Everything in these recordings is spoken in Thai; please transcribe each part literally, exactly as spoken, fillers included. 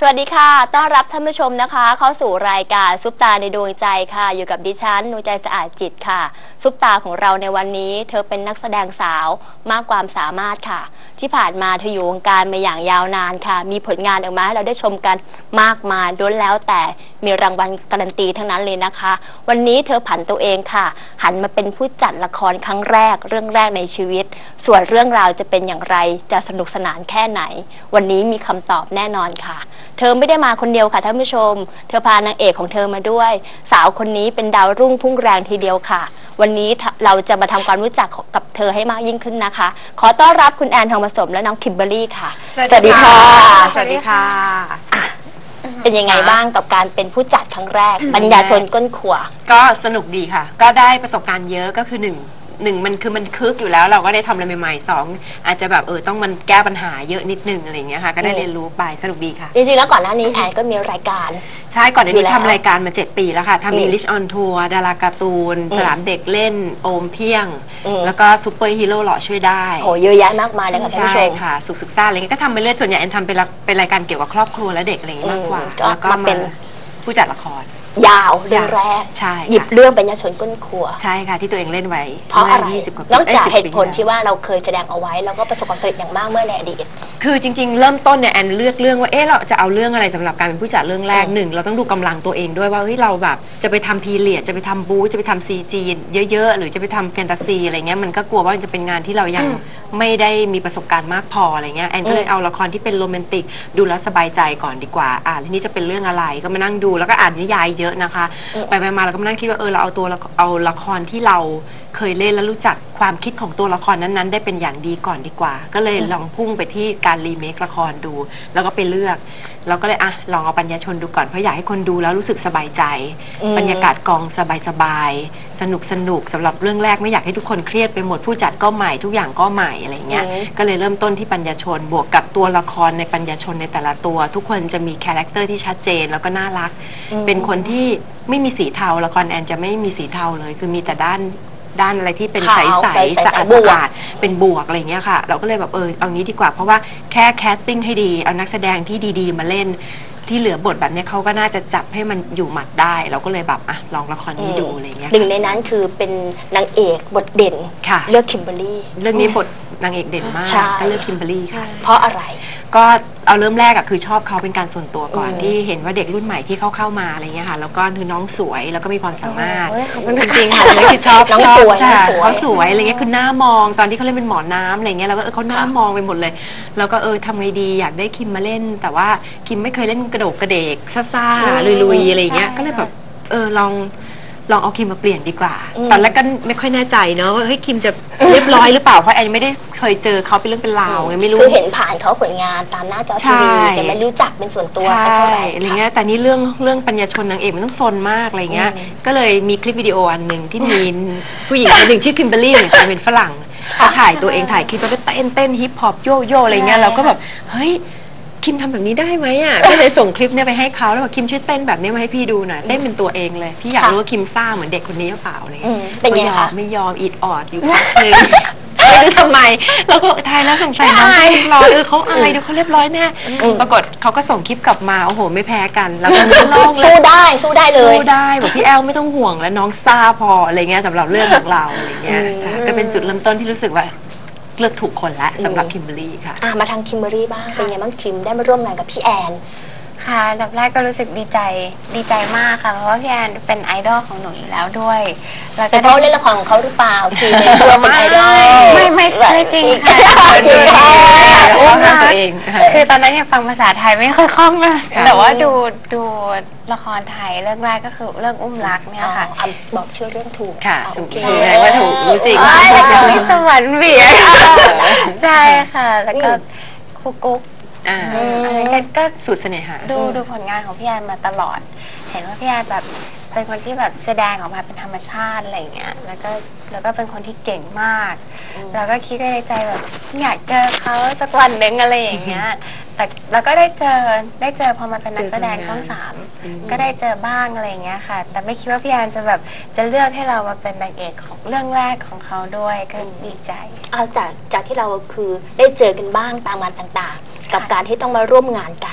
สวัสดีค่ะต้อนรับท่านผู้ชมนะคะเข้าสู่รายการซุปตาในดวงใจค่ะอยู่กับดิฉันนูใจสะอาดจิตค่ะซุปตาของเราในวันนี้เธอเป็นนักแสดงสาวมากความสามารถค่ะที่ผ่านมาเธออยู่วงการมาอย่างยาวนานค่ะมีผลงานออกมาให้เราได้ชมกันมากมายล้วนแล้วแต่มีรางวัลการันตีทั้งนั้นเลยนะคะวันนี้เธอผันตัวเองค่ะหันมาเป็นผู้จัดละครครั้งแรกเรื่องแรกในชีวิตส่วนเรื่องราวจะเป็นอย่างไรจะสนุกสนานแค่ไหนวันนี้มีคำตอบแน่นอนค่ะเธอไม่ได้มาคนเดียวค่ะท่านผู้ชมเธอพานางเอกของเธอมาด้วยสาวคนนี้เป็นดาวรุ่งพุ่งแรงทีเดียวค่ะวันนี้เราจะมาทำความรู้จักกับเธอให้มากยิ่งขึ้นนะคะขอต้อนรับคุณแอนทองผสมและน้องคิมเบอร์รี่ค่ะสวัสดีค่ะสวัสดีค่ะเป็นยังไงบ้างกับการเป็นผู้จัดครั้งแรกปัญญาชนก้นขวาก็สนุกดีค่ะก็ได้ประสบการณ์เยอะก็คือหนึ่งหนึ่งมันคือมันคึกอยู่แล้วเราก็ได้ทำอะไรใหม่ๆสองอาจจะแบบเออต้องมันแก้ปัญหาเยอะนิดนึงอะไรอย่างเงี้ยค่ะก็ได้เรียนรู้ไปสนุกดีค่ะจริงๆแล้วก่อนหน้านี้แอนก็มีรายการใช่ก่อนหน้านี้ทำรายการมาเจ็ดปีแล้วค่ะทำมีลิชออนทัวร์ดาราการ์ตูนสนามเด็กเล่นโอมเพียงแล้วก็ซูเปอร์ฮีโร่หล่อช่วยได้โอ้เยอะแยะมากมายเลยค่ะท่านผู้ชมใช่ค่ะสุขศึกษาอะไรเงี้ยก็ทำไปเรื่อยส่วนใหญ่แอนทำเป็นเป็นรายการเกี่ยวกับครอบครัวและเด็กอะไรอย่างเงี้ยมากกว่าแล้วก็มาเป็นผู้จัดละครยาวเรื่องแรกใช่หยิบเรื่องปัญญาชนก้นครัวใช่ค่ะที่ตัวเองเล่นไว้เพราะอะไรนอกจากเหตุผลที่ว่าเราเคยแสดงเอาไว้แล้วก็ประสบความสำเร็จอย่างมากเมื่อในอดีตคือจริงๆเริ่มต้นเนี่ยแอนเลือกเรื่องว่าเอ๊ะเราจะเอาเรื่องอะไรสำหรับการเป็นผู้จัดเรื่องแรกหนึ่งเราต้องดูกำลังตัวเองด้วยว่าเฮ้ยเราแบบจะไปทำพีเรียดจะไปทำบู๊จะไปทำซีจีเยอะๆหรือจะไปทำแฟนตาซีอะไรเงี้ยมันก็กลัวว่าจะเป็นงานที่เรายังไม่ได้มีประสบการณ์มากพออะไรเงี้ยแอนก็เลยเอาละครที่เป็นโรแมนติกดูแล้วสบายใจก่อนดีกว่าอ่านทีนี้จะเป็นเรื่องอะไรก็มานั่งดูแล้วก็อ่านนิยายเยอะนะคะไปไปมาเราก็มานั่งคิดว่าเออเราเอาตัวเอาละครที่เราเคยเล่นแล้วรู้จักความคิดของตัวละครนั้นๆได้เป็นอย่างดีก่อนดีกว่าก็เลยลองพุ่งไปที่การรีเมคละครดูแล้วก็ไปเลือกเราก็เลยอ่ะลองเอาปัญญาชนดูก่อนเพราะอยากให้คนดูแล้วรู้สึกสบายใจบรรยากาศกองสบายๆสนุกสนุกสำหรับเรื่องแรกไม่อยากให้ทุกคนเครียดไปหมดผู้จัดก็ใหม่ทุกอย่างก็ใหม่อะไรเงี้ยก็เลยเริ่มต้นที่ปัญญาชนบวกกับตัวละครในปัญญาชนในแต่ละตัวทุกคนจะมีคาแรคเตอร์ที่ชัดเจนแล้วก็น่ารักเป็นคนที่ไม่มีสีเทาละครแอนจะไม่มีสีเทาเลยคือมีแต่ด้านด้านอะไรที่เป็นใสๆสะอาดสะอาดเป็นบวกอะไรเงี้ยค่ะเราก็เลยแบบเออเอางี้ดีกว่าเพราะว่าแค่แคสติ้งให้ดีเอานักแสดงที่ดีๆมาเล่นที่เหลือบทแบบนี้เขาก็น่าจะจับให้มันอยู่หมัดได้เราก็เลยแบบอ่ะลองละครนี้ดูอะไรเงี้ยหนึ่งในนั้นคือเป็นนางเอกบทเด่นเลือกคิมเบอร์รี่เรื่องนี้บทนางเอกเด่นมากก็เลือกคิมเบอร์รี่ค่ะเพราะอะไรก็เอาเริ่มแรกอะคือชอบเขาเป็นการส่วนตัวก่อนที่เห็นว่าเด็กรุ่นใหม่ที่เข้าเข้ามาอะไรเงี้ยค่ะแล้วก็คือน้องสวยแล้วก็มีความสามารถจริงๆค่ะเลยคือชอบน้องสวยเขาสวยอะไรเงี้ยคือหน้ามองตอนที่เขาเล่นเป็นหมอน้ำอะไรเงี้ยเราก็เออเขาหน้ามองไปหมดเลยแล้วก็เออทำไงดีอยากได้คิมมาเล่นแต่ว่าคิมไม่เคยเล่นกระโดดกระเดกซ่าๆลุยๆอะไรเงี้ยก็เลยแบบเออลองลองเอาคิมมาเปลี่ยนดีกว่าตอนแรกก็ไม่ค่อยแน่ใจเนาะว่าเฮ้ยคิมจะเรียบร้อยหรือเปล่าเพราะแอนไม่ได้เคยเจอเขาเป็นเรื่องเป็นราวไงไม่รู้คือเห็นผ่านเขาผลงานตามหน้าจอทีวีแต่ไม่รู้จักเป็นส่วนตัวสักเท่าไหร่อะไรเงี้ยแต่นี่เรื่องเรื่องปัญญาชนนางเอกมันต้องซนมากอะไรเงี้ยก็เลยมีคลิปวิดีโออันหนึ่งที่มีผู้หญิงคนหนึ่งชื่อคิมเบอร์รี่เนี่ยเป็นฝรั่งเขาถ่ายตัวเองถ่ายคลิปแล้วก็เต้นเต้นฮิปฮอปโยโย่อะไรเงี้ยเราก็แบบเฮ้ยคิมทำแบบนี้ได้ไหมอ่ะก็เลยส่งคลิปเนี่ยไปให้เขาแล้วบอกคิมช่วยเต้นแบบนี้มาให้พี่ดูหน่อยเต้นเป็นตัวเองเลยพี่อยากรู้ว่าคิมซ่าเหมือนเด็กคนนี้หรือเปล่าอะไรเงี้ยเป็นไงคะไม่ยอมอีดออดอยู่พักนึงไม่รู้ทำไมแล้วก็ทายแล้วสงสัยน้องเรียบร้อยเออเขาอายดูเขาเรียบร้อยแน่ปรากฏเขาก็ส่งคลิปกลับมาโอ้โหไม่แพ้กันแล้วก็โล่งเลยสู้ได้สู้ได้เลยสู้ได้บอกพี่แอลไม่ต้องห่วงแล้วน้องซ่าพออะไรเงี้ยสำหรับเรื่องของเราอะไรเงี้ยก็เป็นจุดเริ่มต้นที่รู้สึกว่าเลือกถูกคนละสำหรับคิมเบอร์รี่ค่ะมาทางคิมเบอร์รี่บ้างเป็นไงบ้างคิมได้มาร่วมงานกับพี่แอนค่ะอันดับแรกก็รู้สึกดีใจดีใจมากค่ะเพราะว่าพี่แอนเป็นไอดอลของหนูอยู่แล้วด้วยแล้วก็เขาเล่นละครของเขาหรือเปล่าคือเป็นตัวเป็นไอดอลไม่ไม่ไม่จริงค่ะจริงค่ะอุ้มตัวเองคือตอนนั้นยังฟังภาษาไทยไม่ค่อยคล่องนะแต่ว่าดูดูละครไทยเรื่องแรกก็คือเรื่องอุ้มรักเนี่ยค่ะบอกชื่อเรื่องถูกค่ะถูกถูกว่าถูกรู้จริงวิสวรรค์เบียร์ใช่ค่ะแล้วก็คุกกุ๊กก็สุดเสน่หาดูดูผลงานของพี่แอนมาตลอดเห็นว่าพี่แอนแบบเป็นคนที่แบบแสดงออกมาเป็นธรรมชาติอะไรอย่างเงี้ยแล้วก็แล้วก็เป็นคนที่เก่งมากเราก็คิดในใจแบบอยากเจอเขาสักวันหนึ่งอะไรอย่างเงี้ยแต่แล้วก็ได้เจอได้เจอพอมาเป็นนักแสดงช่องสามก็ได้เจอบ้างอะไรอย่างเงี้ยค่ะแต่ไม่คิดว่าพี่แอนจะแบบจะเลือกให้เรามาเป็นนางเอกของเรื่องแรกของเขาด้วยก็ดีใจเอาจากจากที่เราคือได้เจอกันบ้างตามงานต่างๆกับการที่ต้องมาร่วมงานกัน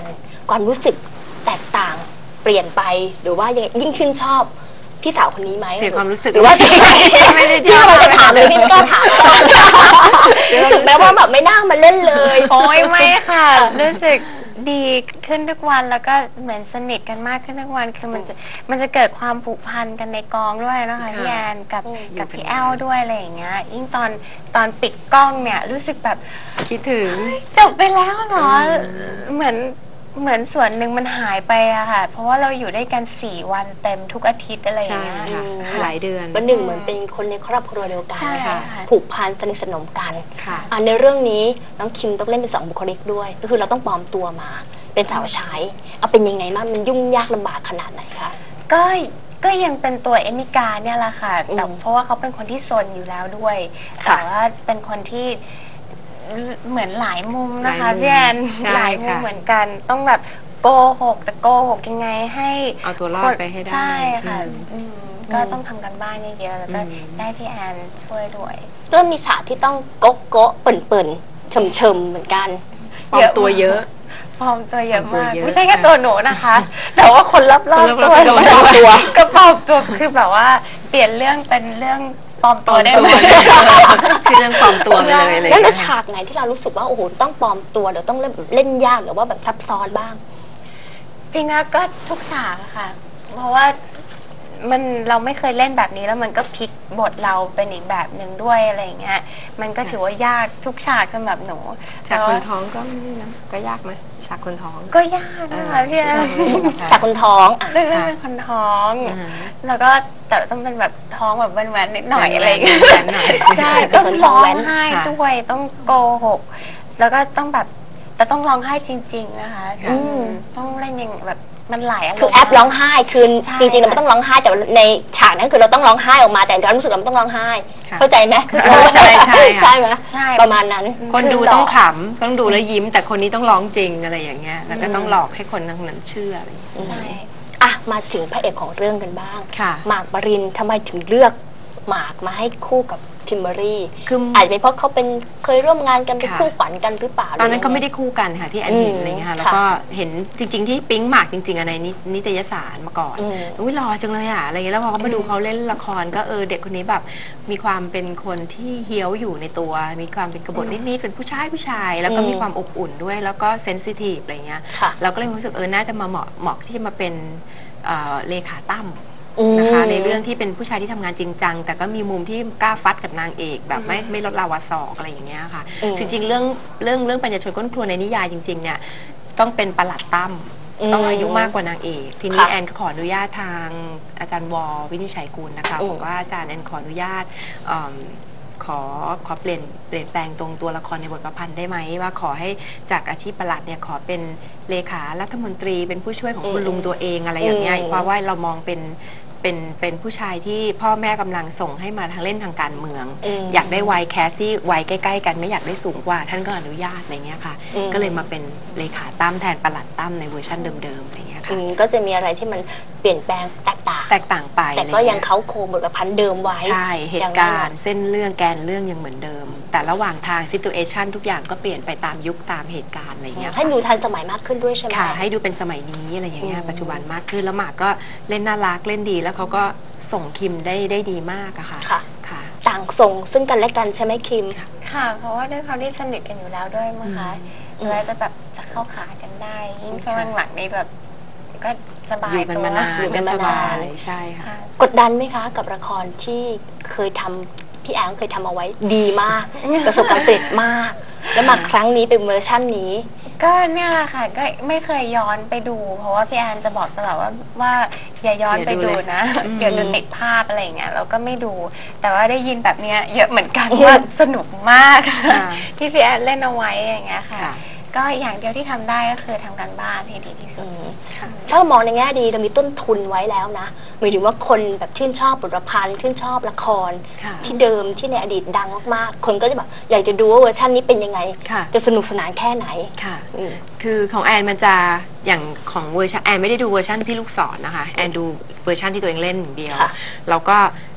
ความรู้สึกแตกต่างเปลี่ยนไปหรือว่ายังยิ่งชื่นชอบพี่สาวคนนี้ไหมเสียความรู้สึกหรือว่าไม่ได้ที่เราจะถามเลยพี่ไม่กล้าถามรู้สึกแม้ว่าแบบไม่น่ามาเล่นเลยโอ้ยไม่ค่ะ รู้สึกดีขึ้นทุกวันแล้วก็เหมือนสนิทกันมากขึ้นทุกวันคือมันจะมันจะเกิดความผูกพันกันในกองด้วยนะคะพี่แอนกับกับพี่แอลด้วยอะไรอย่างเงี้ยยิ่งตอนตอนปิดกล้องเนี่ยรู้สึกแบบคิดถึงจบไปแล้วเหรอเหมือนเหมือนส่วนหนึ่งมันหายไปอะค่ะเพราะว่าเราอยู่ด้วยกันสี่วันเต็มทุกอาทิตย์อะไรอย่างใช่เงี้ยค่ะค่ะหลายเดือนวันหนึ่งเหมือนเป็นคนในครอบครัวเดียวกันใช่นะคะค่ะผูกพันสนิทสนมกันค่ะอ่ะในเรื่องนี้น้องคิมต้องเล่นเป็นสองบุคลิกด้วย ก็คือเราต้องปลอมตัวมาเป็นสาวใช้เอาเป็นยังไงบ้างมันยุ่งยากลำบากขนาดไหนคะก็ก็ยังเป็นตัวเอมิกาเนี่ยแหละค่ะแต่อืมเพราะว่าเขาเป็นคนที่ซนอยู่แล้วด้วยค่ะแต่ว่าเป็นคนที่เหมือนหลายมุมนะคะหลายมุมพี่แอนใช่หลายมุมค่ะเหมือนกันต้องแบบโกหกแต่โกหกยังไงให้เอาตัวรอดไปให้ได้ใช่ค่ะอืมอืมก็ต้องทำกันบ้านเยอะๆแล้วก็อืมได้พี่แอนช่วยด้วยก็มีฉากที่ต้องโก๊ะโก๊ะเปิ่นเปิ่นเฉิมเฉิมๆเหมือนกันปลอมตัวเยอะปลอมตัวเยอะปลอมตัวมากเยอะไม่ใช่แค่ตัวหนูนะคะ แต่ว่าคนรอบๆคนรตัอบวๆตัวก็ปลอมตัวก็ปลอมตัวคือแบบว่าเปลี่ยนเรื่องเป็นเรื่องปลอมตัวได้หมดชื่อเรื่องปลอมตัวไปเลยอะไรอย่างแล้วในเงี้ยฉากไหนที่เรารู้สึกว่าโอ้โหต้องปลอมตัวหรือต้องเล่นเล่นยากหรือว่าแบบซับซ้อนบ้างจริงนะก็ทุกฉากอะค่ะ เพราะว่ามันเราไม่เคยเล่นแบบนี้แล้วมันก็พลิกบทเราเป็นอีกแบบหนึ่งด้วยอะไรอย่างเงี้ยมันก็ถือว่ายากทุกฉากสำหรับหนูฉากแต่คนว่าท้องก็ไม่ได้นะก็ยากไหมฉากคนท้องก็ยากนะคะพี่แอนจากคนท้องอ่ะเรื่องเรื่องเป็นคนท้องอ่าแล้วก็แต่ต้องเป็นแบบท้องแบบแว้นๆนิดหน่อยอะไรอย่างเงี้ยแว้นๆหน่อยใช่เป็ต้นองคนท้ร้ออง งแว้นไห้ค่ะด้วยต้องโกหก แล้วก็ต้องแบบแต่ต้องร้องไห้จริง ๆ นะคะอืมต้องเล่นอย่างแบบมันหลายอารมณ์คือแอปร้องไห้คือใช่จริงๆเราไม่ต้องร้องไห้แต่ว่าในฉากนั้นคือเราต้องร้องไห้ออกมาแต่ความรู้สึกเราไม่ต้องร้องไห้ค่ะเข้าใจไหมเข้าใจใช่ค่ะใช่ไหมใช่ประมาณนั้นคนดูต้องขำต้องดูแล้วยิ้ม แต่คนนี้ต้องร้องจริงอะไรอย่างเงี้ยแล้วก็ต้องหลอกให้คนนั้นเชื่ออะไรอย่างเงี้ยใช่อ่ะมาถึงพระเอกของเรื่องกันบ้างค่ะหมากปรินทำไมถึงเลือกหมากมาให้คู่กับคิมเบอรรี่คืออาจจะเป็นเพราะเขาเป็นเคยร่วมงานกันเป็นค่ะคู่ขวัญกันหรือเปล่าตอนนั้นเขาหรืไม่ยังงได้คู่กันค่ะที่แอนเห็นอืมอะไรเงี้ยค่ะแล้วค่ะก็เห็นจริง ๆ ที่ปิ๊งหมากจริงๆอะในนินิตยสารมาก่อนอืมอุ้ยหล่อจังเลยอะอะไรเงี้ยแล้วพอเขามาดูเขาเล่นละครก็เออเด็กคนนี้แบบมีความเป็นคนที่เฮี้ยวอยู่ในตัว มีความเป็นกบฏนิดๆเป็นผู้ชายผู้ชาย แล้วก็มีความอบอุ่นด้วยแล้วก็เซนซิทีฟอะไรเงี้ยค่ะเราก็เลยรู้สึกเออน่าจะมาเหมาะเหมาะที่จะมาเป็นเอ่อเลขาตั้มอืมนะคะในเรื่องที่เป็นผู้ชายที่ทำงานจริงจังแต่ก็มีมุมที่กล้าฟัดกับนางเอกแบบไม่ไม่ลดลาวาศอกอะไรอย่างเงี้ยค่ะอืมจริงๆเรื่องเรื่องเรื่องปัญญาชนก้นครัวในนิยายจริงๆเนี่ยต้องเป็นประหลัดตั้มอืมต้องอายุมากกว่านางเอก ทีนี้ค่ะแอนก็ขออนุญาตทางอาจารย์วอวินิจฉัยกุลนะคะอืมบอกว่าอาจารย์แอนขออนุญาตเอิ่มขอขอเปลี่ยนเปลี่ยนแปลงตรงตัวละครในบทประพันธ์ได้ไหมว่าขอให้จากอาชีพประหลัดเนี่ยขอเป็นเลขารัฐมนตรีเป็นผู้ช่วยของคุณลุงตัวเองอะไรอย่างเงี้ยอืมเพราะว่าเรามองเป็นเป็นเป็นผู้ชายที่พ่อแม่กำลังส่งให้มาทางเล่นทางการเมืองอืมอยากได้วัยแคสที่วัยใกล้ๆกันไม่อยากได้สูงกว่า ท่านก็อนุญาตอะไรเงี้ยค่ะอืมก็เลยมาเป็นเลขาตั้มแทนประหลัดตั้มในเวอร์ชันเดิมๆอะไรเงี้ยอืค่ะมก็จะมีอะไรที่มันเปลี่ยนแปลงแตกต่างแตกต่างไปแต่ก็ยังเขาโครงบทประพันธ์เดิมไว้ใช่เหอย่งตุนั้นการหณ์เส้นเรื่องแกนเรื่องยังเหมือนเดิม แต่ระหว่างทางซิตูเอชันทุกอย่างก็เปลี่ยนไปตามยุคตามเหตุการณ์อะไรเงี้ยให้ดูทันสมัยมากขึ้นด้วยใช่ไหมค่ะ ให้ดูเป็นสมัยนี้อะไรอย่างเงี้ยอืมปัจจุบันมากขึ้นแล้วหมากก็เล่นน่ารักเล่นดีแล้วเขาก็ส่งคิมได้ได้ดีมากอะค่ะค่ะค่ะต่างส่งซึ่งกันและกันใช่ไหมคิมค่ะ เพราะว่าด้วยความที่สนิทกันอยู่แล้วด้วยมั้งคะอืมแล้วจะแบบจะเข้าขากันได้ ยิ่งช่วงหลังๆนี้แบบก็สบายอยู่กันตัวมานานอยู่กันมานานสบยใช่ค่ะค่ะกดดันไหมคะ กับละครที่เคยทำพี่แอนเคยทำเอาไว้ดีมาก ประสบความสำเร็จมาก แล้วมาครั้งนี้เป็นเวอร์ชั่นนี้ก็เนี่ยแหละค่ะก็ไม่เคยย้อนไปดู เพราะว่าพี่แอนจะบอกตลอดว่าว่าอย่าย้อนไปดูนะอืมเดี๋ยวจะติดภาพอะไรอย่างเงี้ยเราก็ไม่ดู แต่ว่าได้ยินแบบเนี้ยเยอะเหมือนกันว่าสนุกมากค่ะที่พี่แอนเล่นเอาไว้อย่างเงี้ยค่ะค่ะก็อย่างเดียวที่ทำได้ก็คือทำการบ้านให้ดีที่สุดถ้าเรามองในแง่ดีเรามีต้นทุนไว้แล้วนะหมายถึงว่าคนแบบชื่นชอบบทประพันธ์ชื่นชอบละครค่ะที่เดิมที่ในอดีตดังมากๆ คนก็จะแบบอยากจะดูว่าเวอร์ชันนี้เป็นยังไงค่ะจะสนุกสนานแค่ไหนค่ะอืมคือของแอนมันจะอย่างของเวอร์ชันแอนไม่ได้ดูเวอร์ชันพี่ลูกศรนะคะแอนดูเวอร์ชันที่ตัวเองเล่นอย่างเดียวค่ะแล้วก็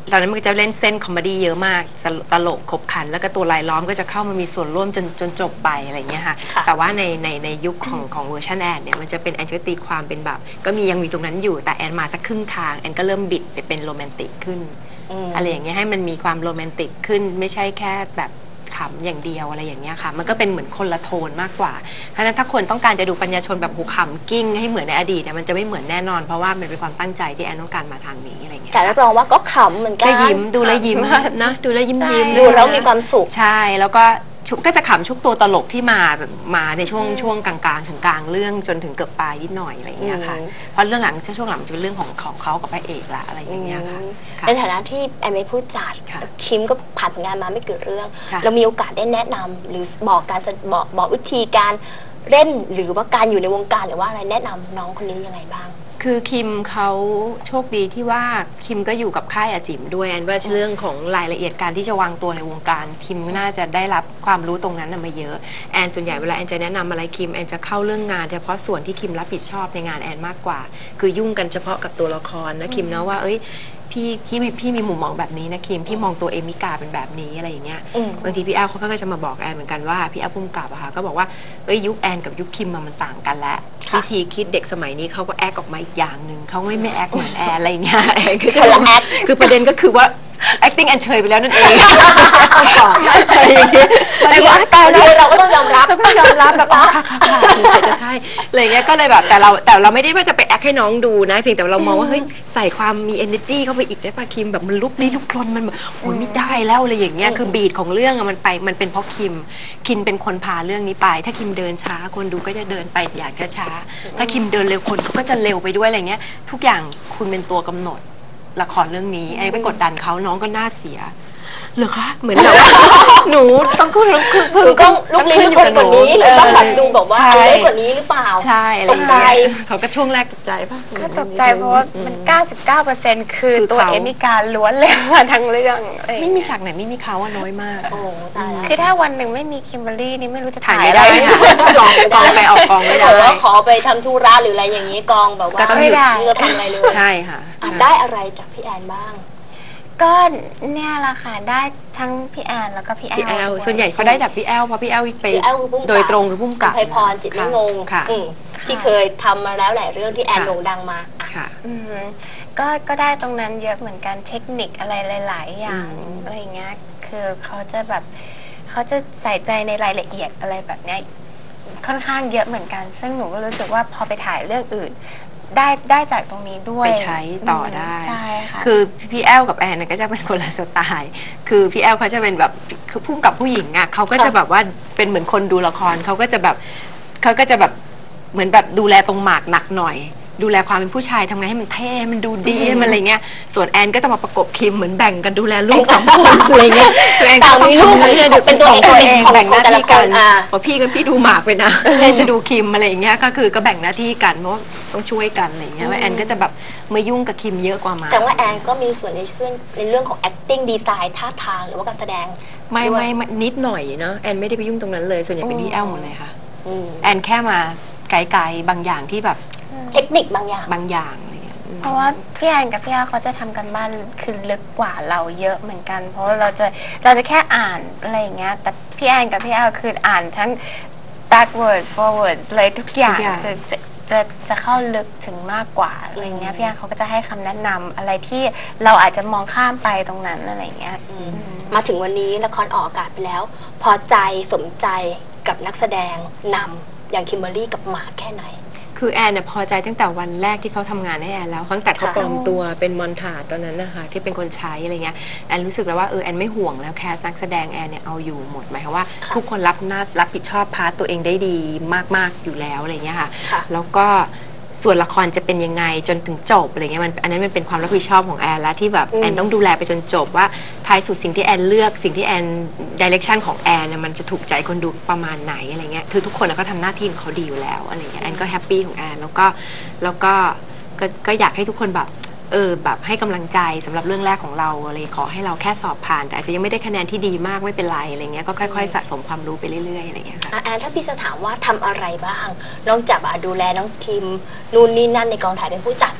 ตอนนั้นมันจะเล่นเส้นคอมเมดี้เยอะมากตลกขบขันแล้วก็ตัวลายล้อมก็จะเข้ามามีส่วนร่วมจนจนจบไปอะไรเงี้ยค่ะแต่ว่าในในในยุคของของเวอร์ชันแอนเนี่ยมันจะเป็นแอนจะตีความเป็นแบบก็มียังมีตรงนั้นอยู่แต่แอนมาสักครึ่งทางแอนก็เริ่มบิดไปเป็นโรแมนติกขึ้นอะไรอย่างเงี้ยให้มันมีความโรแมนติกขึ้นไม่ใช่แค่แบบขำอย่างเดียวอะไรอย่างเงี้ยค่ะมันก็เป็นเหมือนคนละโทนมากกว่าเพราะฉะนั้นถ้าคนต้องการจะดูปัญญาชนแบบหูขำกิ้งให้เหมือนในอดีตเนี่ยมันจะไม่เหมือนแน่นอนเพราะว่ามันเป็นความตั้งใจที่แอนต้องการมาทางนี้อะไรเงี้ยแต่รับรองว่าก็ขำเหมือนกันก็ยิ้มดูแลยิ้มนะดูแลยิ้มยิ้มดูแล้วมีความสุขใช่แล้วก็ก็จะขำชุกตัวตลกที่มาแบบมาในช่วงช่วงกลางๆถึงกลางเรื่องจนถึงเกือบปลายนิดหน่อยอะไรอย่างเงี้ยค่ะเพราะเรื่องหลังช่วงหลังจะเป็นเรื่องของของเขากับพระเอกละอะไรอย่างเงี้ยค่ะในฐานะที่แอมเป็นผู้จัดคิมก็ผ่านงานมาไม่กี่เรื่องเรามีโอกาสได้แนะนำหรือบอกการบอกบอกวิธีการเล่นหรือว่าการอยู่ในวงการหรือว่าอะไรแนะนำน้องคนนี้ยังไงบ้างคือคิมเขาโชคดีที่ว่าคิมก็อยู่กับค่ายอาจิมด้วยแอนว่าเรื่องของรายละเอียดการที่จะวางตัวในวงการคิมน่าจะได้รับความรู้ตรงนั้นมาเยอะแอนส่วนใหญ่เวลาแอนจะแนะนำอะไรคิมแอนจะเข้าเรื่องงานเฉพาะส่วนที่คิมรับผิดชอบในงานแอนมากกว่าคือยุ่งกันเฉพาะกับตัวละครนะคิมนะว่าเอ้ยพี่พี่พี่มีมุมมองแบบนี้นะคิมพี่มองตัวเอมิกาเป็นแบบนี้อะไรอย่างเงี้ยบางทีพี่แอลเขาก็จะมาบอกแอนเหมือนกันว่าพี่แอลพุ่มกับอะค่ะก็บอกว่าเอ้ยยุคแอนกับยุคคิมมันต่างกันแล้ววิธีคิดเด็กสมัยนี้เขาก็แอคออกมาอีกอย่างหนึ่งเขาไม่ไม่แอคเหมือนแอนอะไรอย่างเงี้ยแอนคือคนละแอคคือประเด็นก็คือว่า acting แอนเฉยไปแล้วนั่นเองอะไรอย่างเงี้ยไอ้ว่าตายแล้วเราก็ต้องยอมรับต้องยอมรับแบบว่าค่ะจะใช่อะไรเงี้ยก็เลยแบบแต่เราแต่เราไม่ได้ว่าจะไปแอคให้น้องดูนะเพียงแต่เรามองว่าเฮ้ยใส่ความมี energy เข้าไปอีกได้ป่ะคิมแบบมันลุกลี้ลุกลนมันแบบโอ้ยไม่ได้แล้วอะไรอย่างเงี้ยคือบีทของเรื่องมันไปมันเป็นเพราะคิมคิมเป็นคนพาเรื่องนี้ไปถ้าคิมเดินช้าคนดูก็จะเดินไปอย่างช้าถ้าคิมเดินเร็วคนก็จะเร็วไปด้วยอะไรเงี้ยทุกอย่างคุณเป็นตัวกำหนดละครเรื่องนี้ไอ้ไปกดดันเขาน้องก็น่าเสียเหรอคะเหมือนแบบหนูต้องคือคือต้องลุกลี้ลุกลนกว่านี้หรือต้องแบบดูแบบว่าเล็กกว่านี้หรือเปล่าใช่ตกใจเขาก็ช่วงแรกตกใจป่ะก็ตกใจเพราะว่ามัน เก้าสิบเก้าเปอร์เซ็นต์ คือตัวเอมิกาล้วนเลยมาทั้งเรื่องไม่มีฉากไหนไม่มีเขาอะน้อยมากคือถ้าวันหนึ่งไม่มีคิมเบอร์รี่นี่ไม่รู้จะถ่ายไม่ได้กองกองไปออกกองไม่ได้แต่ว่าขอไปทำธุระหรืออะไรอย่างนี้กองแบบว่าไม่ได้จะทำอะไรเลยใช่ค่ะได้อะไรจากพี่แอนบ้างก็เนี่ยแหละค่ะได้ทั้งพี่แอนแล้วก็พี่แอลส่วนใหญ่เขาได้ดับพี่แอลเพราะพี่แอลไปโดยตรงคือพุ่มกับไพพรจิตไม่งงที่เคยทำมาแล้วหลายเรื่องที่แอนโด่งดังมาค่ะก็ก็ได้ตรงนั้นเยอะเหมือนกันเทคนิคอะไรหลายๆอย่างอะไรเงี้ยคือเขาจะแบบเขาจะใส่ใจในรายละเอียดอะไรแบบเนี้ยค่อนข้างเยอะเหมือนกันซึ่งหนูก็รู้สึกว่าพอไปถ่ายเรื่องอื่นได้ได้จากตรงนี้ด้วยไปใช้ต่อได้ใช่ค่ะคือพี่แอลกับแอนก็จะเป็นคนละสไตล์คือพี่แอลเขาจะเป็นแบบคือพุ่งกับผู้หญิงอ่ะเขาก็จะแบบว่าเป็นเหมือนคนดูละครเขาก็จะแบบเขาก็จะแบบเหมือนแบบดูแลตรงหมากหนักหน่อยดูแลความเป็นผู้ชายทำไงให้มันเท่มันดูดีมันอะไรเงี้ยส่วนแอนก็จะมาประกบคิมเหมือนแบ่งกันดูแลลูกสองคนอะไรเงี้ยตัวเองก็ต้องทำเรื่องเป็นตัวเองตัวเองแบ่งหน้าที่กันพอพี่กับพี่ดูหมากไปนะแอนจะดูคิมอะไรเงี้ยก็คือก็แบ่งหน้าที่กันเพราะต้องช่วยกันอะไรเงี้ยว่าแอนก็จะแบบมายุ่งกับคิมเยอะกว่ามาแต่ว่าแอนก็มีส่วนในเรื่องในเรื่องของ acting design ท่าทางหรือว่าการแสดงไม่ไม่นิดหน่อยเนาะแอนไม่ได้ไปยุ่งตรงนั้นเลยส่วนใหญ่เป็นพี่แอลหมดเลยค่ะแอนแค่มาไกลๆบางอย่างที่แบบเทคนิคบางอย่างบางอย่างอะไรเงี้ยเพราะว่าพี่แอนกับพี่อาเขาจะทำกันบ้านคือลึกกว่าเราเยอะเหมือนกันเพราะเราจะเราจะแค่อ่านอะไรอย่างเงี้ยแต่พี่แอนกับพี่อาคืออ่านทั้ง backward forward เลยทุกอย่างคือจะจะจะเข้าลึกถึงมากกว่าอะไรเงี้ยพี่แอนเขาก็จะให้คำแนะนำอะไรที่เราอาจจะมองข้ามไปตรงนั้นอะไรเงี้ยมาถึงวันนี้ละครออกอากาศไปแล้วพอใจสมใจกับนักแสดงนำอย่างคิมเบอร์รี่กับหมาแค่ไหนคือแอนเนี่ยพอใจตั้งแต่วันแรกที่เขาทำงานให้แอนแล้วตั้งแต่เขาปลอมตัวเป็นมอนทาตอนนั้นนะคะที่เป็นคนใช้อะไรเงี้ยแอนรู้สึกแล้วว่าเออแอนไม่ห่วงแล้วแคสนักแสดงแอนเนี่ยเอาอยู่หมดหมายความว่าทุกคนรับหน้ารับผิดชอบพาร์ตตัวเองได้ดีมากๆอยู่แล้วอะไรเงี้ยค่ะแล้วก็ส่วนละครจะเป็นยังไงจนถึงจบอะไรเงี้ยมันอันนั้นมันเป็นความรับผิดชอบของแอนแล้วที่แบบแอนต้องดูแลไปจนจบว่าท้ายสุดสิ่งที่แอนเลือกสิ่งที่แอนดิเรกชันของแอนเนี่ยมันจะถูกใจคนดูประมาณไหนอะไรเงี้ยคือทุกคนก็ทำหน้าที่ของเขาดีอยู่แล้วอะไรเงี้ยแอนก็แฮปปี้ของแอนแล้วก็แล้วก็ก็อยากให้ทุกคนแบบเออแบบให้กำลังใจสำหรับเรื่องแรกของเราอะไรขอให้เราแค่สอบผ่านแต่อาจจะยังไม่ได้คะแนนที่ดีมากไม่เป็นไรอะไรเงี้ยก็ค่อยๆสะสมความรู้ไปเรื่อยๆอะไรเงี้ยค่ะแอนถ้าพี่จะถามว่าทำอะไรบ้างนอกจากดูแลน้องคิมนู่นนี่นั่นในกองถ่ายเป็นผู้จัดน่ะ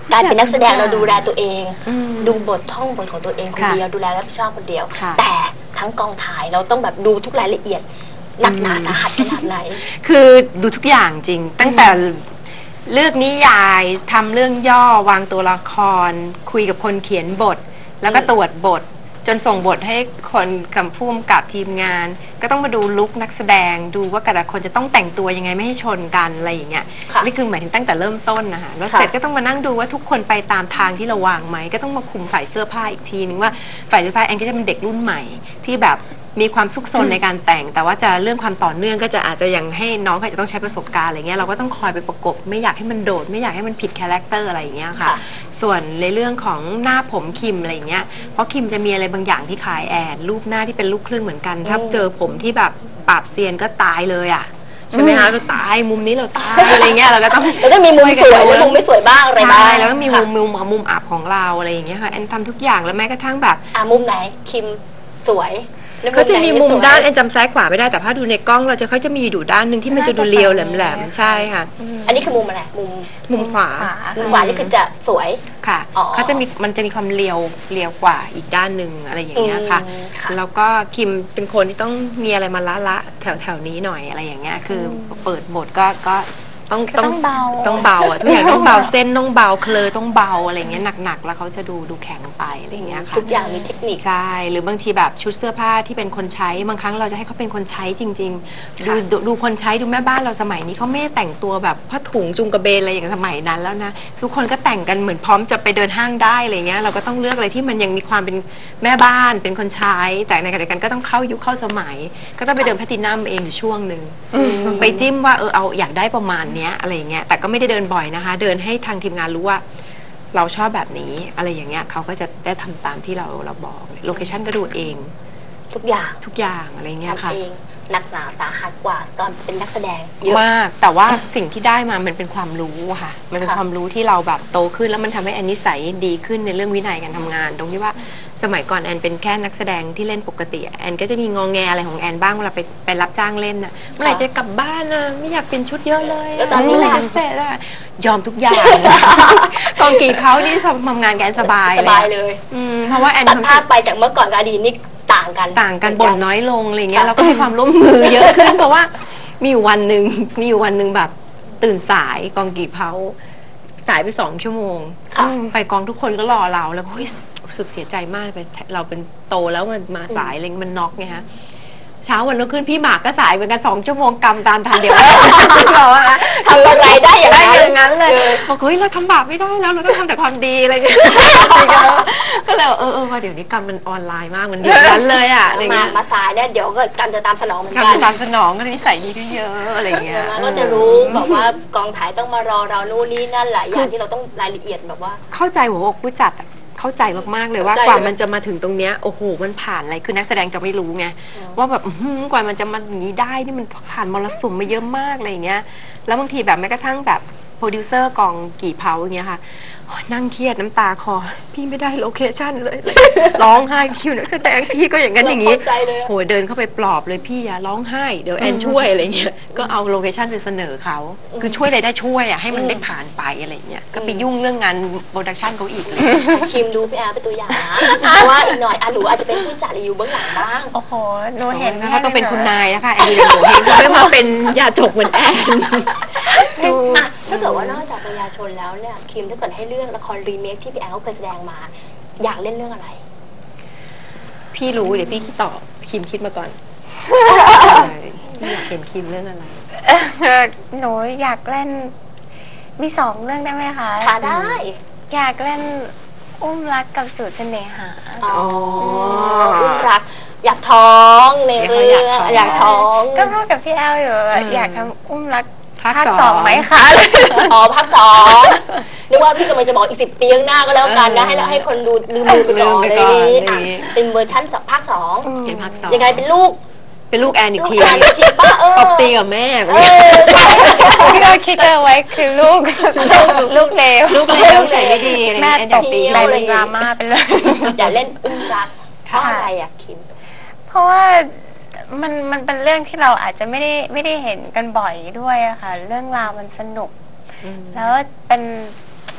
การเป็นนักแสดงเราดูแลตัวเองอืมดูบทท่องบทของตัวเองคนค่ะเดียวดูแลรับผิดชอบคนเดียวค่ะแต่ทั้งกองถ่ายเราต้องแบบดูทุกรายละเอียดหนักหนาสาหัสขนาดไหนคือดูทุกอย่างจริง ตั้งแต่เลือกนิยายทำเรื่องย่อวางตัวละคร คุยกับคนเขียนบท แล้วก็ตรวจบท จนส่งบทให้คนกำพุ่มกับทีมงาน ก็ต้องมาดูลุคนักแสดงดูว่าแต่ละคนจะต้องแต่งตัวยังไงไม่ให้ชนกันอะไรอย่างเงี้ยค่ะนี่คือหมายถึงตั้งแต่เริ่มต้นนะคะแล้วค่ะเสร็จก็ต้องมานั่งดูว่าทุกคนไปตามทางที่เราวางไหมก็ต้องมาคุมฝ่ายเสื้อผ้าอีกทีนึงว่าฝ่ายเสื้อผ้าแอนก็จะเป็นเด็กรุ่นใหม่ที่แบบมีความซุกซนในการแต่ง แต่ว่าจะเรื่องความต่อเนื่องก็จะอาจจะยังให้น้องเขาจะต้องใช้ประสบการณ์อะไรเงี้ยเราก็ต้องคอยไปประกบไม่อยากให้มันโดดไม่อยากให้มันผิดคาแรคเตอร์อะไรอย่างเงี้ยค่ะค่ะส่วนในเรื่องของหน้าผมคิมอะไรอย่างเงี้ยเพราะคิมจะมีอะไรบางอย่างที่คล้ายแอนรูปหน้าที่เป็นลูกครึ่งเหมือนกันถ้าเจอผมที่แบบปราบเซียนก็ตายเลยอ่ะใช่ไหมคะเราตายมุมนี้เราตายอะไรเงี้ยเราก็ต้องแล้วก็มีมุมสวยและมุมไม่สวยบ้างอะไรบ้างใช่แล้วก็มีมุค่ะมมุมมุมอับของเราอะไรอย่างเงี้ยค่ะแอนทำทุกอย่างแล้วแม้กระทั่งแบบอ่ะมุมไหนคิมสวยแล้วเขาจะมีมุมไหนไสวยด้านแอนจำซ้ายขวาไม่ได้แต่ถ้าดูในกล้องเราจะเขาจะมีอยู่ด้านหนึ่งที่มันจะดูเรียวแหลมๆใช่ค่ะอันนี้คือมุมอะไรมุมมุมขวาขวามุมขวานี่คือจะสวยค่ะอ๋อเขาจะมีมันจะมีความเรียวเรียวกว่าอีกด้านหนึ่งอะไรอย่างเงี้ยค่ะอืมค่ะแล้วก็คิมเป็นคนที่ต้องมีอะไรมาละละแถวแถวนี้หน่อยอะไรอย่างเงี้ยคืออเปิดบทก็ก็ต้องก็ต้องเบาต้องเบาอ่ะทุกอย่างต้องเบาเส้นต้องเบาเคลอต้องเบาอะไรอย่างเงี้ยหนักๆแล้วเขาจะดูดูแข็งไปอะไรอย่างเงี้ยค่ะทุกอย่างมีเทคนิคใช่ หรือบางทีแบบชุดเสื้อผ้าที่เป็นคนใช้บางครั้งเราจะให้เขาเป็นคนใช้จริงๆ ดูดูดูคนใช้ดูแม่บ้านเราสมัยนี้เขาไม่ได้แต่งตัวแบบผ้าถุงจุงกระเบนอะไรอย่างสมัยนั้นแล้วนะทุกคนก็แต่งกันเหมือนพร้อมจะไปเดินห้างได้อะไรเงี้ยเราก็ต้องเลือกอะไรที่มันยังมีความเป็นแม่บ้านเป็นคนใช้ แต่ในขณะเดียวกันก็ต้องเข้ายุคเข้าสมัย ก็ต้องไปเดินแพลตตินัมเองอยู่ช่วงหนึ่งไปจิ้มว่าเออเอาอยากได้ประมาณเนี้ยอะไรอย่างเงี้ยแต่ก็ไม่ได้เดินบ่อยนะคะ เดินให้ทางทีมงานรู้ว่า เราชอบแบบนี้อะไรอย่างเงี้ยเขาก็จะได้ทำตามที่เราเราบอกโลเคชั่นก็ดูเองทุกอย่างทุกอย่างอะไรเงี้ยทำค่ะเองหนักหนาสาหัสกว่าตอนเป็นนักแสดงเยอะมากแต่ว่าสิ่งที่ได้มามันเป็นความรู้อะค่ะ มันเป็นค่ะความรู้ที่เราแบบโตขึ้นแล้วมันทำให้แอนนิสัยดีขึ้นในเรื่องวินัยการทำงาน ตรงที่ว่าสมัยก่อนแอนเป็นแค่นักแสดงที่เล่นปกติแอนก็จะมีงองแงอะไรของแอนบ้างเวลาไปไปรับจ้างเล่นน่ะเมื่อไหร่จะกลับบ้านนะไม่อยากเป็นชุดเยอะเลยะแล้วตอนนี้เมื่อไหร่ล่ะจะเสร็จอะยอมทุกอย่าง กองกีเขานี่ทำงานแกสบายสบายเลยอืมเพราะว่าแอนตัดทำภาพไปจากเมื่อก่อนกับอดีตนี่ต่างกันต่างกันบ่นน้อยลงอะไรเงี้ยค่ะแล้วก็ให้ความร่วมมือเยอะขึ้น เพราะว่ามีอยู่วันหนึ่งมีอยู่วันหนึ่งแบบตื่นสายกองกี่เผาสายไปสองชั่วโมงค่ะไปกองทุกคนก็รอเราแล้วก็เฮ้ยรู้สึกเสียใจมากเป็นเราเป็นโตแล้วมันมาสายอะไรมันน็อกไงฮะเช้าวันรุ่งขึ้นพี่หมากก็สายเหมือนกันสองชั่วโมงกำตามทันเดียวเราอะทำอะไรได้อย่างได้นั้นอย่างนั้นเลยออบอกเฮ้ยเราทำบาปไม่ได้แล้วเราต้องทำแต่ความดีอะไรอย่างเงี้ยก็เลยเออเออว่าเดี๋ยวนี้กรรมมันออนไลน์มากมันเดือดร้อนเลยอะอะไรมาเงี้ยมาสายเนี่ยเดี๋ยวก็กันจะตามสนองเหมือนกรรกัมนตามสนองก็นิสัยดีขึ้นเยอะอะไรอย่างเงี้ยแล้วก็จะรู้แบบว่ากองถ่ายต้องมารอเรานู่นนี่นั่นหลายอย่างที่เราต้องรายละเอียดแบบว่าเข้าใจหัวอกผู้จัดอะเข้าใจมากๆเลยว่าเข้าใจกว่ามันจะมาถึงตรงเนี้ยโอ้โหมันผ่านอะไรคือนักแสดงจะไม่รู้ไงว่าแบบอื้อหือกว่ามันจะมาอย่างนี้ได้นี่มันผ่านมรสุมมาเยอะมากอะไรอย่างเงี้ยแล้วบางทีแบบแม้กระทั่งแบบโปรดิวเซอร์กองกี่เผาอย่างเงี้ยค่ะโอ๊ยนั่งเครียดน้ำตาคอพี่ไม่ได้โลเคชั่นเลยเลยร้องไห้คิวนักแสดงพี่ก็อย่างนั้นอย่างนี้เข้าใจเลยอะโหยเดินเข้าไปปลอบเลยพี่อย่าร้องไห้เดี๋ยวแอนช่วยอะไรเงี้ยก็เอาโลเคชั่นไปเสนอเขาคือช่วยอะไรได้ช่วยอ่ะให้มันได้ผ่านไปอะไรเงี้ยก็ไปยุ่งเรื่องงานโปรดักชันเขาอีกเลยคิมดูพี่แอร์เป็นตัวอย่างนะเพราะว่าอีกหน่อยอ่ะหนูอาจจะเป็นผู้จัดหรืออยู่เบื้องหลังบ้างโอ้โหหนูเห็นเขาต้องเป็นคุณนายนะคะแอนดี้เป็นหนูเองเขาไม่มาเป็นยาจกเหมือนแอนดูอ่ะถ้าเกิดว่านอกจากปัญญาชนแล้วเนี่ยคิมถ้าเกิดให้เรื่องละครรีเมคที่พี่แอร์เขาเคยแสดงมา อยากเล่นเรื่องอะไรพี่รู้เดี๋ยวพี่คิดตอบคิมคิดมาก่อนพี่อยากเห็นคิมเรื่องอะไรหนูอยากเล่นมีสองเรื่องได้ไหมคะค่ะได้อยากเล่นอุ้มรักกับสูตรเสน่หาอ๋ออุ้มรัก อยากท้องในเรื่องออยาก กท้ท้ออง งก็พูดกับพี่แอลอยู่ว่าอืมอยากทำอุ้มรักภาคภาคสองสองไหมคะอ๋อภาคสองนึกว่าพี่กำลังจะบอกอีกสิบปีข้างหน้าก็แล้วกันนะ ให้เราให้คนดูลืมลืมไปก่อนลืมในไปก่อนนี้ในอ่ะนี้เป็นเวอร์ชั่นภาคสองเป็นภาคสองยังไงเป็นลูกเป็นลูกแอนอีกทีลูกแอนอีกทีป้าเออตบตีกับแม่เออใช่ที่เราคิดเอาไว้คือลูก ลูกเลวลูกเลวใส่ไม่ดีอะไรแม่เงี้ยตแอนบตีกลายเป็นดราม่าไปเลยอยากเล่นอุ้มรักเพราะอะไรอ่ะคิมเพราะว่ามันมันเป็นเรื่องที่เราอาจจะไม่ได้ไม่ได้เห็นกันบ่อยด้วยอะค่ะ เรื่องราวมันสนุก แล้วเป็นเป็น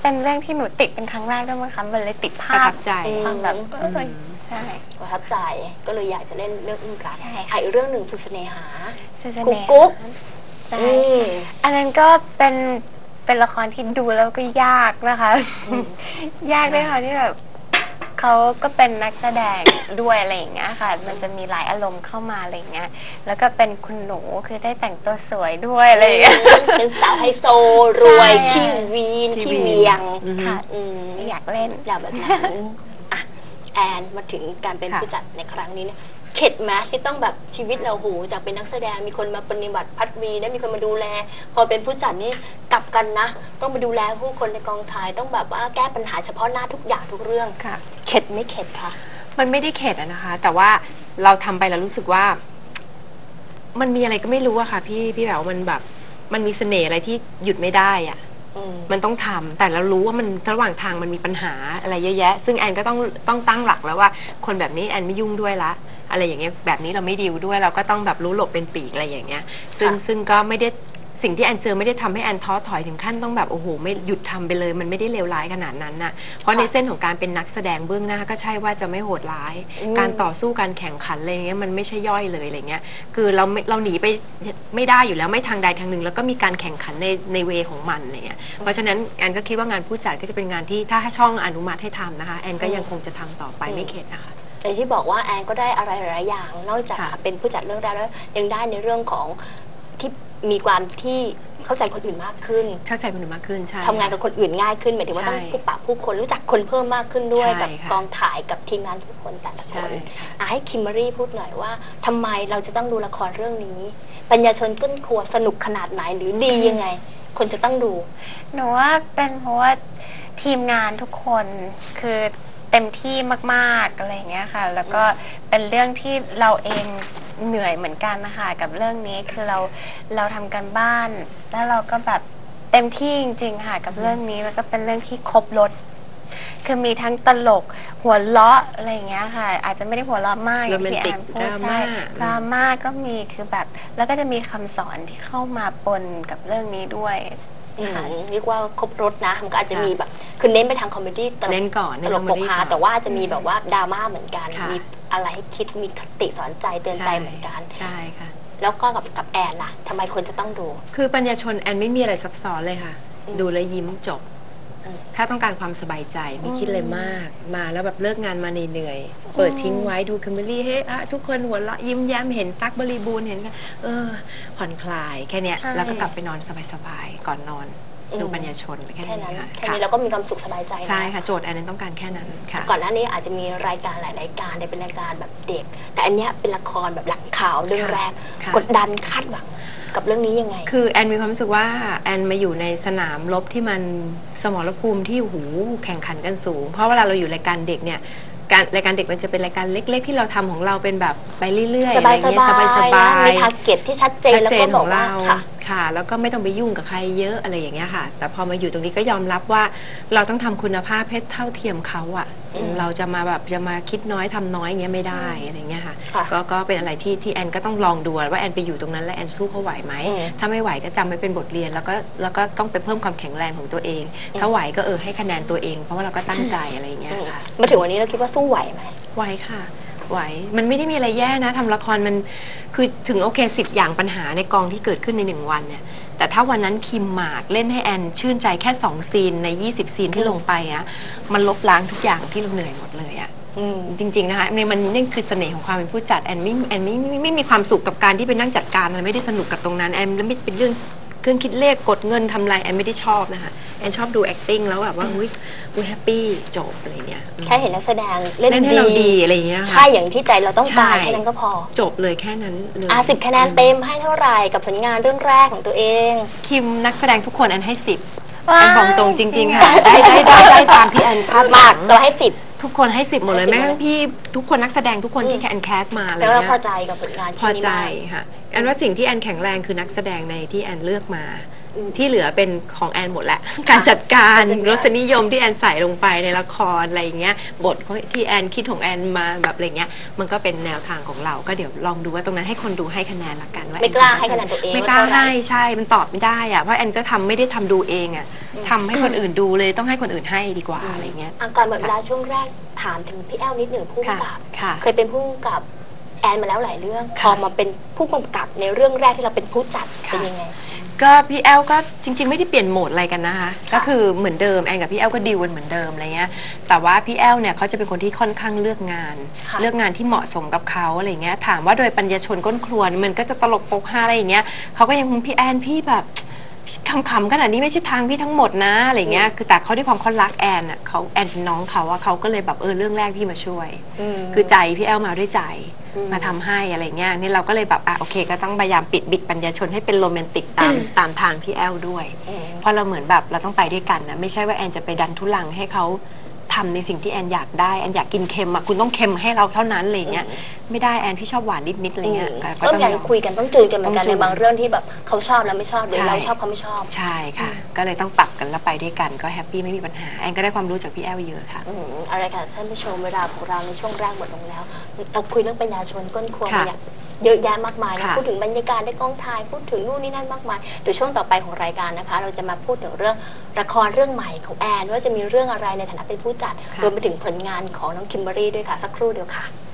เป็นเรื่องที่หนูติดเป็นครั้งแรกด้วยมั้งคะมันเลยติดภาประพทับใจความแบบเออใช่ประทับใจก็เลยอยากจะเล่นเรื่องอึ้งกัดใช่ค่ะอ่ะอีกเรื่องหนึ่งสุดเสน่หาสุสกุ๊เนกกุ๊กใช่อืมอันนั้นก็เป็นเป็นละครที่ดูแล้วก็ยากนะคะ ยากด้วยค่ะที่แบบเขาก็เป็นนักแสดงด้วยอะไรอย่างเงี้ยค่ะ มันจะมีหลายอารมณ์เข้ามาอะไรอย่างเงี้ยแล้วก็เป็นคุณหนูคือได้แต่งตัวสวยด้วยอะไรอย่างเงี้ยเป็นสาวไฮโซรวยใช่ขี้วีนขี้ขี้วีนเวียงอือฮึค่ะอืมอยากเล่นอยากแบบนั้นอ่ะแอนมาถึงการเป็นค่ะผู้จัดในครั้งนี้เนี่ยเข็ดไหมที่ต้องแบบชีวิตเราโหจากเป็นนักแสดงมีคนมาปฏิบัติพัดวีนะมีคนมาดูแล พอเป็นผู้จัดนี่กลับกันนะ ต้องไปดูแลผู้คนในกองถ่ายต้องแบบว่าแก้ปัญหาเฉพาะหน้าทุกอย่างทุกเรื่องค่ะเข็ดไม่เข็ดค่ะมันไม่ได้เข็ดอะนะคะ แต่ว่าเราทำไปแล้วรู้สึกว่า มันมีอะไรก็ไม่รู้อะค่ะ พี่พี่แบบมันแบบ มันมีเสน่ห์อะไรที่หยุดไม่ได้อะอืมมันต้องทำแต่เรารู้ว่ามันระหว่างทางมันมีปัญหาอะไรเยอะแยะ ซึ่งแอนก็ต้องต้องตั้งหลักแล้วว่า คนแบบนี้แอนไม่ยุ่งด้วยละอะไรอย่างเงี้ยแบบนี้เราไม่ดีลด้วยเราก็ต้องแบบรู้หลบเป็นปีกอะไรอย่างเงี้ย ซึ่งค่ะซึ่งก็ไม่ได้สิ่งที่แอนเจอไม่ได้ทำให้แอนท้อถอยถึงขั้นต้องแบบโอ้โหไม่หยุดทำไปเลย มันไม่ได้เลวร้ายขนาดนั้นน่ะเพราะในเส้นของการเป็นนักแสดงเบื้องหน้าก็ใช่ว่าจะไม่โหดร้าย การต่อสู้การแข่งขันอะไรเงี้ยมันไม่ใช่ย่อยเลยอะไรเงี้ยคือเราไม่เราหนีไปไม่ได้อยู่แล้วไม่ทางใดทางหนึ่งแล้วก็มีการแข่งขันในในเวของมันอะไรเงี้ยเพราะฉะนั้นแอนก็คิดว่างานผู้จัดก็จะเป็นงานที่ถ้าให้ช่องอนุมัติให้ทำนะคะแอนก็ยังคงจะทำต่อไปไม่เข็ดนะคะอย่างที่บอกว่าแอนก็ได้อะไรหลายๆอย่าง นอกจากค่ะเป็นผู้จัดเรื่องแรกแล้วยังได้ในเรื่องของที่มีความที่เข้าใจคนอื่นมากขึ้นเข้าใจคนอื่นมากขึ้นใช่ทำงานกับคนอื่นง่ายขึ้นหมายถึงว่าใช่ต้องพบปะผู้คนรู้จักคนเพิ่มมากขึ้นด้วยใช่กับค่ะกองถ่ายกับทีมงานทุกคนแต่ละคใช่นค่ะอ่ะให้คิมเบอรี่พูดหน่อยว่าทำไมเราจะต้องดูละครเรื่องนี้ ปัญญาชนก้นครัวสนุกขนาดไหนหรือดียังไง คนจะต้องดูหนูว่าเป็นเพราะว่าทีมงานทุกคนคือเต็มที่มากๆอะไรอย่างเงี้ยค่ะ แล้วก็เป็นเรื่องที่เราเองเหนื่อยเหมือนกันนะคะกับเรื่องนี้คือเราเราทำกันบ้าน แล้วเราก็แบบเต็มที่จริงๆค่ะกับเรื่องนี้แล้วก็เป็นเรื่องที่ครบรสคือมีทั้งตลกหัวเราะอะไรอย่างเงี้ยค่ะ อาจจะไม่ได้หัวเราะมากอย่างที่แอนพูดโรแมนติกใช่ดราม่าดราม่าก็มีคือแบบแล้วก็จะมีคำสอนที่เข้ามาปนกับเรื่องนี้ด้วยอืมเรียกว่าครบรถนะมันก็อาจจะมีแบบคือเน้นไปทางคอมเมดี้ตลกเน้นก่อนตเน้นลคกอมปเมกดี้ฮาก่อนแต่ว่าจะมีแบบว่าดราม่าเหมือนกันค่ะมีอะไรให้คิดมีคติสอนใจเตือนใจเหมือนกันใช่ค่ะแล้วก็กับกับแอนล่ะทำไมคนจะต้องดูคือปัญญาชนแอนไม่มีอะไรซับซ้อนเลยค่ะอืมดูแล้วยิ้มจบอืมถ้าต้องการความสบายใจไม่คิดเลยมาก มาแล้วแบบเลิกงานมาเหนื่อยๆเปิดทิ้งไว้ดูคิมเบอรรี่เฮ้ยอะทุกคนหัวเราะยิ้มแย้มเห็นตั๊กบริบูรณ์เห็นกันเออผ่อนคลายแค่เนี้ยใช่แล้วก็กลับไปนอนสบายๆก่อนนอนอืมดูปัญญาชนแค่แค่นี้นั้นค่ะแค่นี้เราก็มีความสุขสบายใจนะใช่ค่ะโจทย์แอนนั้นต้องการแค่นั้นค่ะก่อนหน้านี้อาจจะมีรายการหลายรายการแต่เป็นรายการแบบเด็ก แต่อันเนี้ยเป็นละครแบบหลังข่าวเรื่องค่ะแรกค่ะกดดันคาดหวังกับเรื่องนี้ยังไงคือแอนมีความรู้สึกว่าแอนมาอยู่ในสนามรบที่มันสมรภูมิที่หูแข่งขันกันสูง เพราะเวลาเราอยู่รายการเด็กเนี่ยการรายการเด็กมันจะเป็นรายการเล็ก ๆ ที่เราทำของเราเป็นแบบไปเรื่อยๆสอะไรบายสเงี้ยบายสนะบายมีทาร์เก็ตที่ชัดเจนชัดแล้วเจก็นบขออก งว่าเราค่ะค่ะ แล้วก็ไม่ต้องไปยุ่งกับใครเยอะอะไรอย่างเงี้ยค่ะ แต่พอมาอยู่ตรงนี้ก็ยอมรับว่าเราต้องทำคุณภาพให้เท่าเทียมเขาอะอืมเราจะมาแบบจะมาคิดน้อยทำน้อยอย่างเงี้ยไม่ได้อะไรเงี้ยค่ะค่ะก็ก็เป็นอะไรที่ที่แอนก็ต้องลองดูว่าแอนไปอยู่ตรงนั้นแล้วแอนสู้เขาไหวไหมอืมถ้าไม่ไหวก็จำไว้เป็นบทเรียนแล้วก็แล้วก็ต้องไปเพิ่มความแข็งแรงของตัวเอง ถ้าไหวก็เออให้คะแนนตัวเอง เพราะว่าเราก็ตั้งใจอะไรอย่างเงี้ยอืมค่ะมาถึงวันนี้เราคิดว่าสู้ไหวไหมไหวค่ะไหวมันไม่ได้มีอะไรแย่นะทำละครมันคือถึงโอเคสิบอย่างปัญหาในกองที่เกิดขึ้นในหนึ่งวันเนี่ยแต่ถ้าวันนั้นคิมหมากเล่นให้แอนชื่นใจแค่สองซีนในยี่สิบซีนที่ลงไปอะมันลบล้างทุกอย่างที่เราเหนื่อยหมดเลยอะอืมจริงๆนะคะมันนี่คือเสน่ห์ของความเป็นผู้จัดแอนไม่แอนไม่ไม่ไม่มีความสุขกับการที่ไปนั่งจัดการอะไรไม่ได้สนุกกับตรงนั้นแอนแล้วไม่เป็นเรื่องเครื่องคิดเลขกดเงินทำอะไรแอนไม่ได้ชอบนะคะแอนชอบดู acting แล้วแบบว่าอุ้ยอุ้ยแฮปปี้จบอะไรเงี้ยแค่เห็นนักแสดงเล่นเล่นให้เราดีอะไรอย่างเงี้ยค่ะใช่อย่างที่ใจเราต้องการใช่แค่นั้นก็พอจบเลยแค่นั้นเลยอ่ะสิบคะแนนเต็มให้เท่าไหร่กับผลงานเรื่องแรกของตัวเองคิมนักแสดงทุกคนแอนให้สิบว้ายแอนบอกตรงจริง ๆ ค่ะ ได้ได้ได้ได้ตามที่แอนคาดหมาวักงเราให้สิบทุกคนให้สิบหมดเลยให้สิบแม้กระทั่งพี่ทุกคนนักแสดงทุกคนที่แอนแคสมาอะไรแล้วเราเงี้ยพอใจกับผลงานพชิ้อนนี้ใจมากค่ะแอนว่าสิ่งที่แอนแข็งแรงคือนักแสดงในที่แอนเลือกมาอืมที่เหลือเป็นของแอนหมดแหละ การจัดการการจัดการรสนิยมที่แอนใส่ลงไปในละครอะไรอย่างเงี้ยบทที่แอนคิดของแอนมาแบบอะไรเงี้ยมันก็เป็นแนวทางของเราก็เดี๋ยวลองดูว่าตรงนั้นให้คนดูให้คะแนนละกันว่าไม่กล้าให้คะแนนตัวเองไม่กล้าว่าเท่าไหร่ให้ใช่มันตอบไม่ได้อะเพราะแอนก็ทำไม่ได้ทำดูเองอะทำให้คนอื่นดูเลยต้องให้คนอื่นให้ดีกว่าอะไรเงี้ยอ่ะก่อนหมดเวลาช่วงแรกถามถึงพี่แอลนิดหนึ่งผู้กำกับค่ะเคยเป็นผู้กำกับแอนมาแล้วหลายเรื่อง พค่ะอมาเป็นผู้กำกับในเรื่องแรกที่เราเป็นผู้จัดค่ะเป็นยังไงก็พี่แอลก็จริงๆไม่ได้เปลี่ยนโหมดอะไรกันนะคะก็คือเหมือนเดิมแอนกับพี่แอลก็ดีลกันเหมือนเดิมอะไรเงี้ยแต่ว่าพี่แอลเนี่ยเขาจะเป็นคนที่ค่อนข้างเลือกงานค่ะเลือกงานที่เหมาะสมกับเขาอะไรเงี้ยถามว่าโดยปัญญาชนก้นครัวมันก็จะตลกโปกฮาอะไรอย่างเงี้ยเขาก็ยังคงพี่แอนพี่แบบคำๆขนาดนี้ไม่ใช่ทางพี่ทั้งหมดนะอะไรเงี้ยคือแต่เขาด้วยความเขารักแอนอ่ะเขาแอนเป็นน้องเขาอะเขาก็เลยแบบเออเรื่องแรกพี่มาช่วยมคือใจพี่แอลมาด้วยใจอืมมาทำให้อะไรเงี้ยนี่เราก็เลยแบบอ่ะโอเคก็ต้องพยายามปิดบิดปัญญาชนให้เป็นโรแมนติกตามตามทางพี่แอลด้วยอืมเพราะเราเหมือนแบบเราต้องไปด้วยกันนะไม่ใช่ว่าแอนจะไปดันทุลังให้เขาทำในสิ่งที่แอนอยากได้แอนอยากกินเค็มอะคุณต้องเค็มให้เราเท่านั้นอะไรเงี้ยไม่ได้แอนพี่ชอบหวานนิดๆอะไรเงี้ยก็ต้องต้องอย่างยอมคุยกันต้องจูนกันเหมือนกันต้องจูในนบางเรื่องที่แบบเขาชอบแล้วไม่ชอบหรือใช่เราชอบเขาไม่ชอบใช่ค่ะ ก็เลยต้องปรับกันแล้วไปด้วยกันก็แฮปปี้ไม่มีปัญหาแอนก็ได้ความรู้จากพี่แอลเยอะค่ะอืมอะไรค่ะท่านผู้ชมเวลาของเราในช่วงแรกหมดลงแล้ว เราคุยเรื่องปัญญาชนก้นครัวค่ะมาอย่างเยอะแยะมากมายนะค่ะพูดถึงบรรยากาศในกองถ่ายพูดถึงนู่นนี่นั่นมากมายเดี๋ยวช่วงต่อไปของรายการนะคะ เราจะมาพูดถึงเรื่องละครเรื่องใหม่ของแอนว่าจะมีเรื่องอะไรในฐานะเป็นผู้จัดรวมไปถึงผลงานของน้องคิมเบอรี่ด้วยค่ะสักครู่เดียวค่ะ